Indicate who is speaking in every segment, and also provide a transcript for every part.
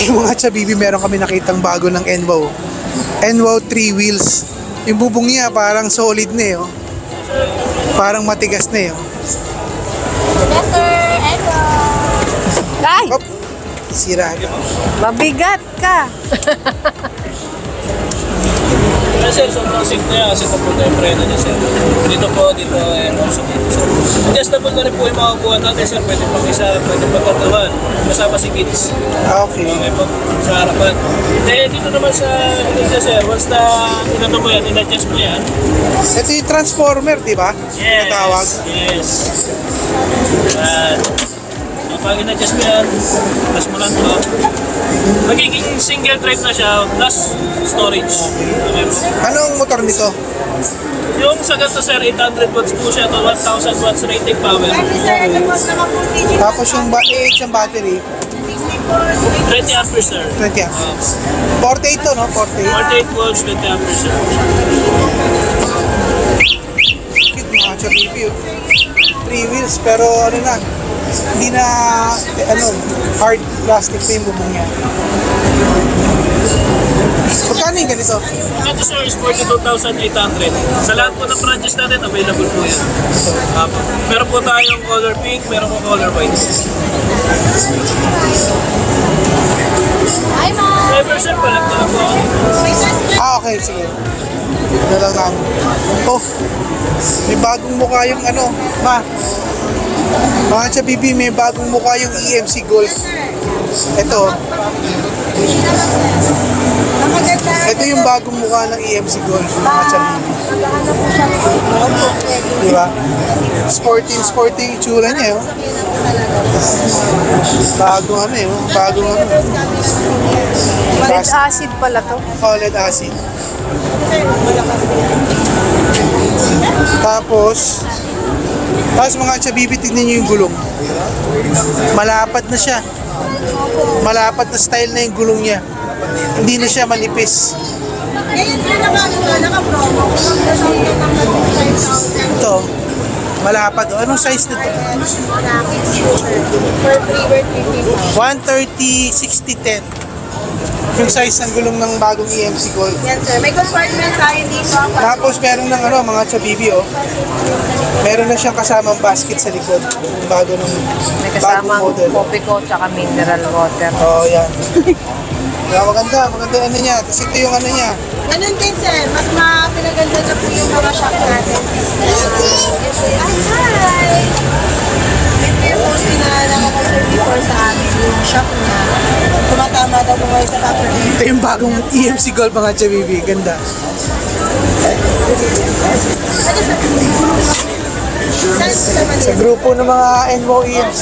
Speaker 1: Mga chabibi, meron kami nakitang bago ng Enwow. Enwow 3 wheels. Yung bubong niya parang solid na eh. Oh. Parang matigas na eh. Oh.
Speaker 2: Yes, sir. Echo.
Speaker 3: Ay!
Speaker 1: Hop. Sira na.
Speaker 3: Mabigat ka!
Speaker 4: Sir, sobrang safe na yan kasi tapos na yung preno niya, sir. Dito po, and also dito, sir. Adjustable na rin po yung mga buwan natin, sir. Pwede pang isa, pwede pang tatawan. Kasama si kids.
Speaker 1: Okay.
Speaker 4: Okay po, sa harapan. Dito naman sa dito, sir, once na inato mo yan, in-adjust mo yan.
Speaker 1: Ito yung transformer, di ba?
Speaker 4: Yes.
Speaker 1: Natawag.
Speaker 4: Yes. Yan. So, pag in-adjust mo yan, plus mo lang to. Magiging single drive na siya, plus storage. Okay po.
Speaker 1: Anong motor nito?
Speaker 4: Yung sa ganito, sir, 800 watts po siya to 1,000 watts rating power.
Speaker 2: Sir, ito po naman po digit.
Speaker 1: Tapos yung yung battery,
Speaker 4: 20 amperes, sir.
Speaker 1: 20 amperes. 48 to, no? 48.
Speaker 4: 48 volts, 20 amperes, sir.
Speaker 1: Cute mga chabibi. 3 wheels, pero ano na, hindi na, hard plastic pa yung bubong niya. Magkano yung ganito?
Speaker 4: Ito, sir, is 42,800. Sa lahat po ng branches natin, available po yan. Meron po tayong color pink, meron po color white.
Speaker 2: Hi, ma'am.
Speaker 4: Driver, sir, palag na lang po.
Speaker 1: Okay, sige. Ito lang namin. Oh, may bagong mukha yung ma. Mga chabibi, may bagong mukha yung EMC Golf. Ito. Ito yung bagong mukha ng EMC Golf, mga chabibi. Diba? Sporting itsura niya, oh. Bagong bagong
Speaker 3: Lead acid pala to.
Speaker 1: Lead acid. Tapos mga chabibi, tignan nyo yung gulong. Malapad na siya. Malapad na style na yung gulong niya. Hindi na siya manipis.
Speaker 2: Ngayon, sir, naka-promo.
Speaker 1: Ito, malapad. Anong size nito?
Speaker 2: For free, worth
Speaker 1: 130,
Speaker 2: 50.
Speaker 1: 60, 10. Yung size ng gulong ng bagong EMC Gold.
Speaker 2: Yan, sir. May compartment tayo dito.
Speaker 1: Tapos meron ng mga chabibi, oh. Meron na siyang kasamang basket sa likod. Yung bago ng
Speaker 3: May
Speaker 1: bagong
Speaker 3: kasamang
Speaker 1: model.
Speaker 3: coffee ko tsaka mineral water.
Speaker 1: Oh, yan. Kaya maganda yung niya. Tapos ito yung niya.
Speaker 2: Ganun din, sir. Mas pinaganda na po yung mga shop natin. Hi! Ito yung post pinaalala ko, sir, before sa amin yung shop na tumatama daw po kayo sa proper.
Speaker 1: Ito yung bagong EMC Gold, mga chabibi. Ganda. Sa grupo ng mga Enwow EMC.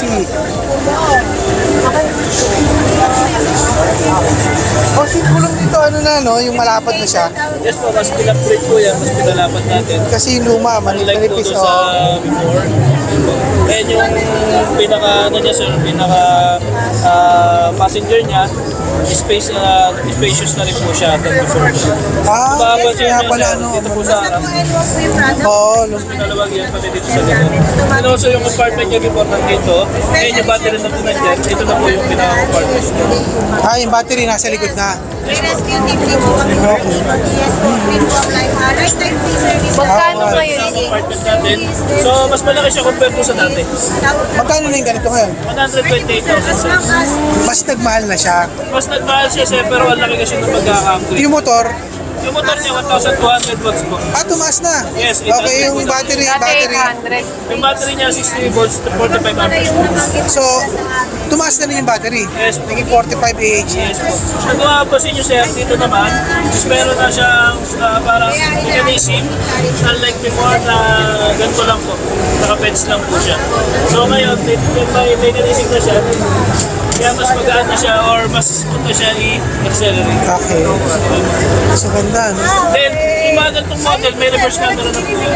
Speaker 1: Oh, gulong dito, yung malapad na siya.
Speaker 4: Yes po, mas pinupgrade po yan, mas pinalapat natin.
Speaker 1: Kasi yung luma,
Speaker 4: Unlike
Speaker 1: manipis.
Speaker 4: doon sa before. And yung niya, sir, passenger niya, spacious na rin po siya than before.
Speaker 1: Kaya pala,
Speaker 4: Dito po sa harap.
Speaker 1: Oo,
Speaker 4: Pinalawag yan pati dito sa likod. And also yung compartment niya before nandito, and yung battery na po nandyan, ito na po yung pinaka-compartment.
Speaker 1: yung battery nasa likod na.
Speaker 2: May rescue team din po kami. Yes po, free po ang lifetime free service.
Speaker 3: Magkano ngayon?
Speaker 4: Compartment natin. So, mas malaki siya compared po sa dati.
Speaker 1: Magkano na yung ganito ngayon?
Speaker 4: 128,000, sir.
Speaker 1: Mas nagmahal na siya.
Speaker 4: Mas nagmahal siya, sir, pero ang laki kasi ng pagkaka-upgrade.
Speaker 1: Yung motor,
Speaker 4: Yung motor niya, 1,200 watts po.
Speaker 1: tumaas na.
Speaker 4: Yes,
Speaker 1: Okay, yung
Speaker 4: 800.
Speaker 1: battery.
Speaker 3: Dati 800.
Speaker 4: Yung battery niya, 60 volts to 45 amperes po.
Speaker 1: So, tumaas na rin yung battery.
Speaker 4: Yes po.
Speaker 1: Naging 45 AH.
Speaker 4: Yes po. Kung mapapansin nyo, sir, dito naman, is meron na siyang parang mechanism, unlike before na ganito lang po. Naka-pets lang po siya. So ngayon, may mechanism na siya, kaya mas magaan na siya or mas punta siya i-accelerate.
Speaker 1: Okay. So, ganda, no?
Speaker 4: Then, yung mga ganitong model, may reverse camera na po yan.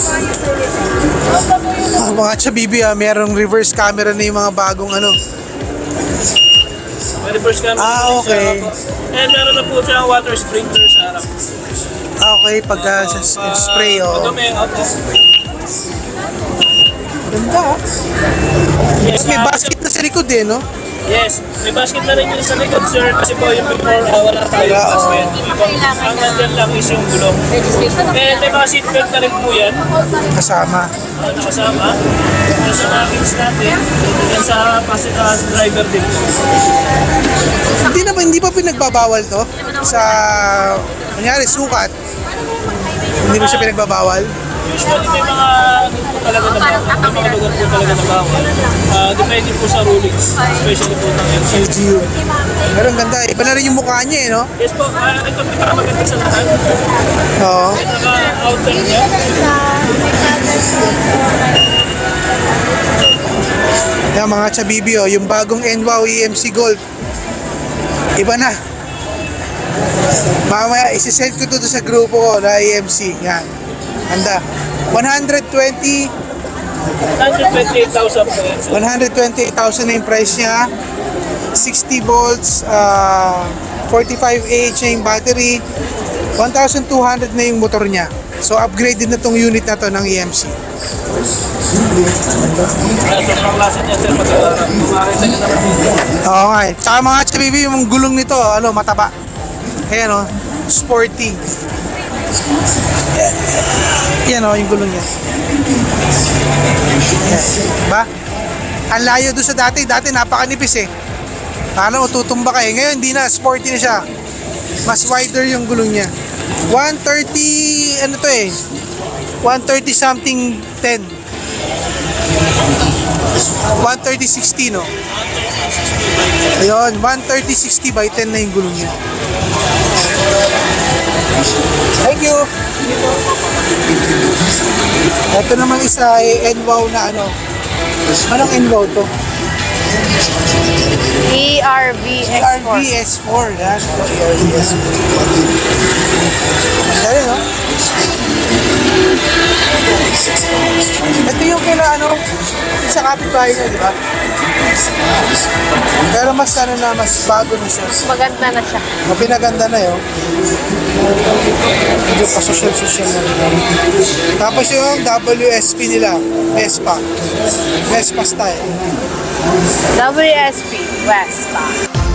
Speaker 1: Mga chabibi, merong reverse camera na yung mga bagong
Speaker 4: May reverse camera na po
Speaker 1: okay.
Speaker 4: siya. And meron na po siya water sprinkler sa harap.
Speaker 1: Okay, pagka spray, oh.
Speaker 4: Madumi, okay.
Speaker 1: Ganda, ah.
Speaker 4: Yes,
Speaker 1: May basket na sa likod, no?
Speaker 4: Yes, may basket na rin yun sa likod, sir. Kasi po yung before, wala tayong
Speaker 1: Wala,
Speaker 4: basket. Ang nandyan lang is yung gulong. Eh, may mga seatbelt na rin po yan.
Speaker 1: Kasama.
Speaker 4: Nakasama. Nasa nakins natin. Yan sa passenger driver din po.
Speaker 1: Hindi pa pinagbabawal to sa, kunyari, sukat. Hindi mo siya pinagbabawal.
Speaker 4: Usually may mga po talaga na bawal. May mga lugar po talaga na bawal. Depende po sa rulings. Especially po ng LGU.
Speaker 1: LGU. Pero ang ganda, iba na rin yung mukha niya eh, no?
Speaker 4: Yes po, ito pinakamaganda sa lahat.
Speaker 1: Oo.
Speaker 4: Pinaka-outer niya.
Speaker 1: Yan mga chabibi, oh, yung bagong NWOW EMC Gold. Iba na. Mamaya, isisend ko to sa grupo ko na EMC. Yan. Handa.
Speaker 4: 128,000 po yan, sir.
Speaker 1: 128,000 na yung price niya. 60 volts, 45Ah yung battery. 1,200 na yung motor niya. So upgraded na tong unit na to ng EMC.
Speaker 4: Sobrang klase niya, sir. Makikita niyo naman.
Speaker 1: Oo nga eh. Tsaka mga chabibi, yung gulong nito, ano, mataba. Ayan o, sporty. Yan o, yung gulong niya. Yan. Diba? Ang layo doon sa dati. Dati napakanipis eh. Ano, tutumba ka eh. Ngayon, hindi na. Sporty na siya. Mas wider yung gulong niya. 130, ano to eh. 130 something 10. 130-60 no? Ayun, 130-60 by 10 na yung gulong niya. Thank you! Ito naman isa ay NWOW na ano. Anong NWOW to?
Speaker 3: ERV S4.
Speaker 1: RVS4. Yan. RVS4. Dali no? Ito yung kila ano, sa kapitbahay niya, di ba? Pero mas ano na, mas bago na siya.
Speaker 3: Maganda na siya.
Speaker 1: Pinaganda na yun. Medyo pa-social na rin. Tapos yung WSP nila, Vespa. Vespa style.
Speaker 3: WSP Vespa.